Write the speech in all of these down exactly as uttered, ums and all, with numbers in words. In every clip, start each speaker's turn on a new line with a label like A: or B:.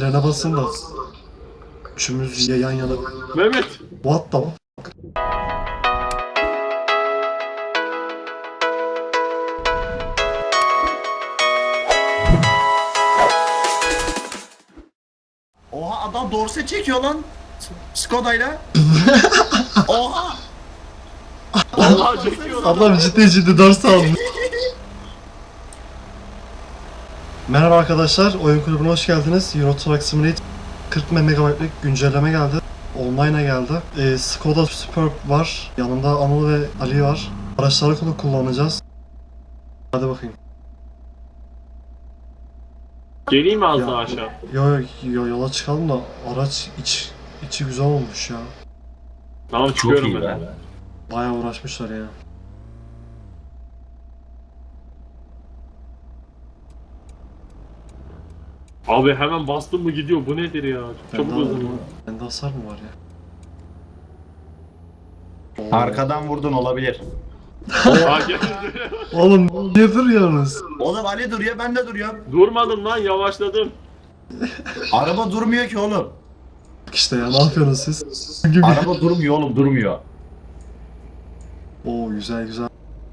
A: frene basın da. Üçümüz yan yana.
B: Mehmet.
A: What the fuck?
C: Oha adam dorse çekiyor lan. Skoda'yla. Oha.
B: Vallahi çekiyor.
A: Adam ciddi ciddi ders aldı. Merhaba arkadaşlar, oyun kulübüne hoş geldiniz. Euro Truck Simulator kırk megabaytlık güncelleme geldi. Online'a geldi. Ee, Skoda Superb var. Yanımda Anıl ve Ali var. Araçları kulu kullanacağız. Hadi bakayım.
B: Geleyim mi az
A: Ya,
B: daha aşağı?
A: Yo, yo, yo yola çıkalım da araç iç içi güzel olmuş ya.
B: Tamam çıkıyorum
C: iyi
B: ben.
C: be.
A: Bayağı uğraşmışlar ya.
B: Abi hemen bastım mı gidiyor. Bu nedir ya? Çok çabuk
A: Bende,
B: hızlı.
A: bende hasar mı var ya? Oo.
C: Arkadan vurdun olabilir.
B: Ha, gel.
A: Oğlum niye duruyorsunuz?
C: Oğlum Ali duruyor ben de duruyorum.
B: Durmadım lan, yavaşladım.
C: Araba durmuyor ki oğlum.
A: İşte ya, ne yapıyorsunuz siz? Gibi.
C: Araba durmuyor oğlum durmuyor.
A: Oo güzel güzel.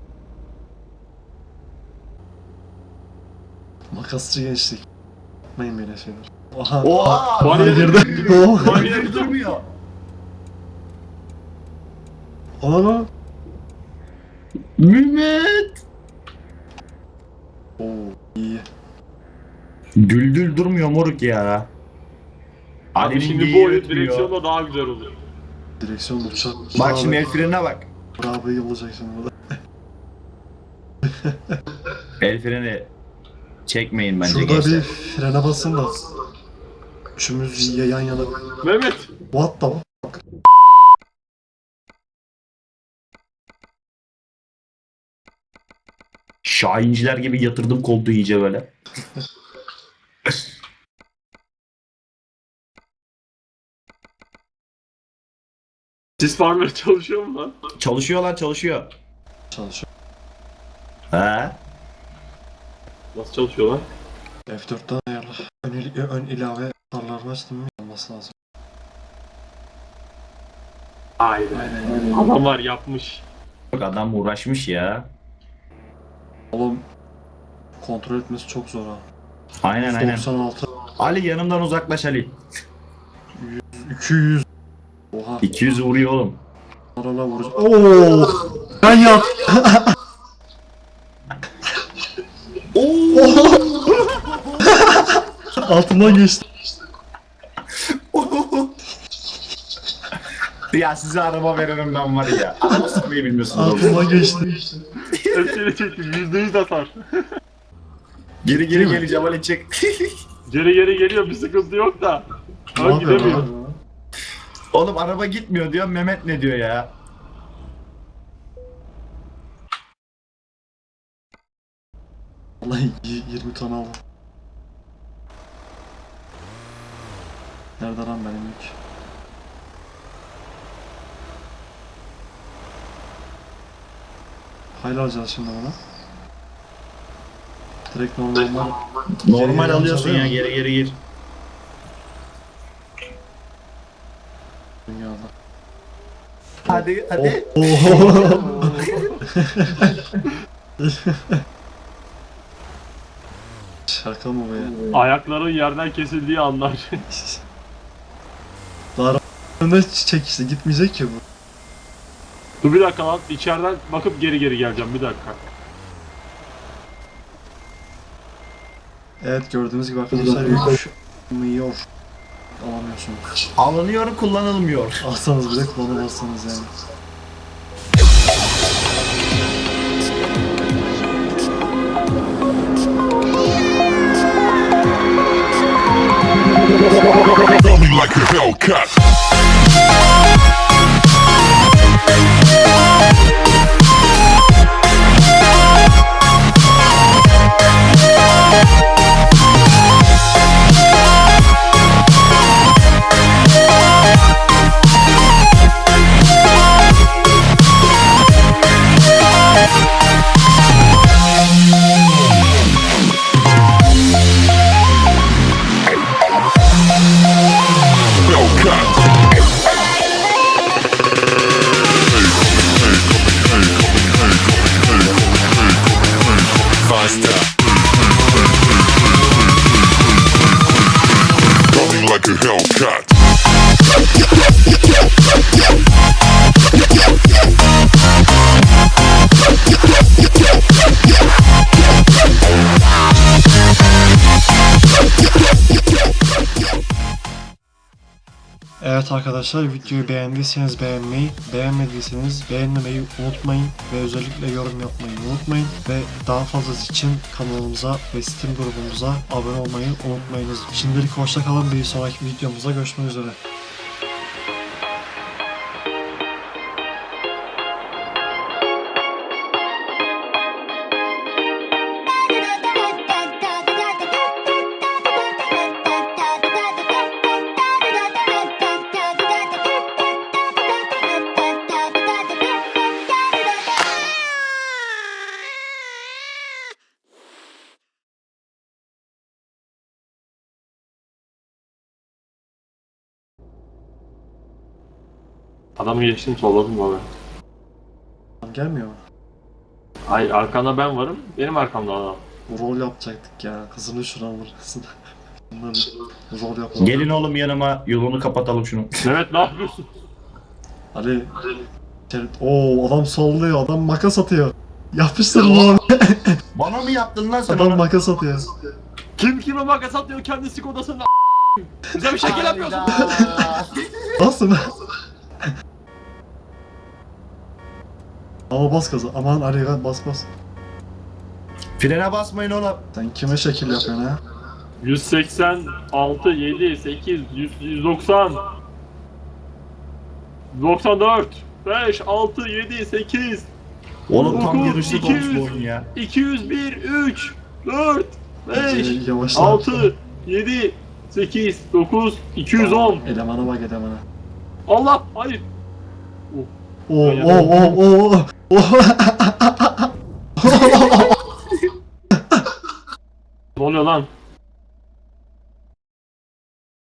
A: Makasçı gençlik. Yapmayın böyle şeyler. Oha.
C: Oha.
B: Bariyer
A: girdi. Oha.
C: Bariyer durmuyor.
A: Oha.
C: Mehmet.
A: Oo iyi.
C: Düldül durmuyor moruk ya.
B: Abi
C: Ali'nin
B: şimdi
C: bir
B: bu oyun
C: yürütmüyor.
B: direksiyonla daha güzel olur.
A: Direksiyon uçak.
C: Bak şimdi el frenine bak.
A: Bravo yılacak şimdi burada.
C: El freni çekmeyin bence
A: Şurada
C: gençler.
A: bir frene basın da. Üçümüz yan yana.
B: Mehmet.
A: What the fuck?
C: Şahinciler gibi yatırdım koltuğu iyice böyle.
B: Sis farmları çalışıyor mu lan?
C: Çalışıyor lan çalışıyor.
A: Çalışıyor.
C: He?
B: Nasıl çalışıyor lan?
A: F dörtten ayarla. Ön, il- ön ilave tarlar açtım mı? Olması lazım.
B: Aynen. Adamlar yapmış.
C: Bak adam uğraşmış ya.
A: Oğlum kontrol etmesi çok zor ha.
C: Aynen aynen.
A: doksan altı,
C: Ali yanımdan uzaklaş Ali.
A: iki yüz. Oha.
C: iki yüz vuruyor oğlum.
A: Arala vuracağım. Oo! Ben yat. Altından geçti.
C: Ya size araba veririm ben var ya. Araba sıkmayı bilmiyorsunuz oğlum.
A: Altından geçti.
B: Hepsini çektim. Yüzde yüz atar.
C: Geri geri
A: Değil mi?
C: geleceğim Ali çek.
B: Geri geri geliyor, bir sıkıntı yok da.
A: Ne
B: Ben
A: yapıyor
B: gidemiyor.
A: lan?
C: Oğlum araba gitmiyor diyor. Mehmet ne diyor ya?
A: Vallahi y- yirmi ton aldım. Nerede lan benim yük? Hayır alacağız şimdi bunu. Direkt normal.
C: Normal
A: Geri
C: alıyorsun
A: alacağız,
C: ya
A: değil mi?
C: geri geri gir.
A: Dünyada.
C: Hadi hadi.
A: Oho. Şaka mı bu ya?
B: Ayakların yerden kesildiği anlar.
A: Daha önde çek işte, gitmeyecek ki bu.
B: Dur bir dakika lan, içeriden bakıp geri geri geleceğim, bir dakika.
A: Evet, gördüğünüz gibi arkadaşlar yükmüyor. Alamıyorsunuz.
C: Alınıyor kullanılmıyor.
A: Alsanız bile kullanamazsınız yani.
D: Throw me like a Hellcat. like a Hellcat.
A: Evet arkadaşlar, videoyu beğendiyseniz beğenmeyi, beğenmediyseniz beğenmemeyi unutmayın ve özellikle yorum yapmayı unutmayın ve daha fazlası için kanalımıza ve Steam grubumuza abone olmayı unutmayınız. Şimdilik hoşça kalın, bir sonraki videomuzda görüşmek üzere.
B: Adamı geçtim, solladım abi.
A: Gelmiyor mu?
B: Ay, arkanda ben varım, benim arkamda adam.
A: Rol yapacaktık ya, kızını şuna vurasın. Bunları rol yapalım.
C: Gelin oğlum yanıma, yolunu kapatalım şunu.
B: Mehmet ne yapıyorsun?
A: Ali, ooo adam sallıyor, adam makas atıyor. Yapıştır lan.
C: Bana mı yaptın lan sen
A: Adam
C: onu?
A: makas atıyor.
B: Kim kime makas atıyor kendi Skoda'sının a**? Bize bir şekil yapıyorsun.
C: Hayda.
A: Nasıl? Ama bas gaza. Aman Ali gel, bas bas.
C: Frene basmayın oğlum.
A: Sen kime şekil yapıyorsun ha?
B: yüz seksen altı, yedi, sekiz, yüz, yüz doksan, doksan dört, beş, altı, yedi, sekiz,
C: Oğlum tam
B: dokuz,
C: yarışlık
B: iki
C: olmuş
B: yüz,
C: bu oyun ya.
B: iki yüz bir, üç, dört, beş,
A: Yavaşla.
B: altı, yedi, sekiz, dokuz, iki yüz on.
A: Elemana bak elemana.
B: Allah, hayır.
A: Oo oo oo oo oo.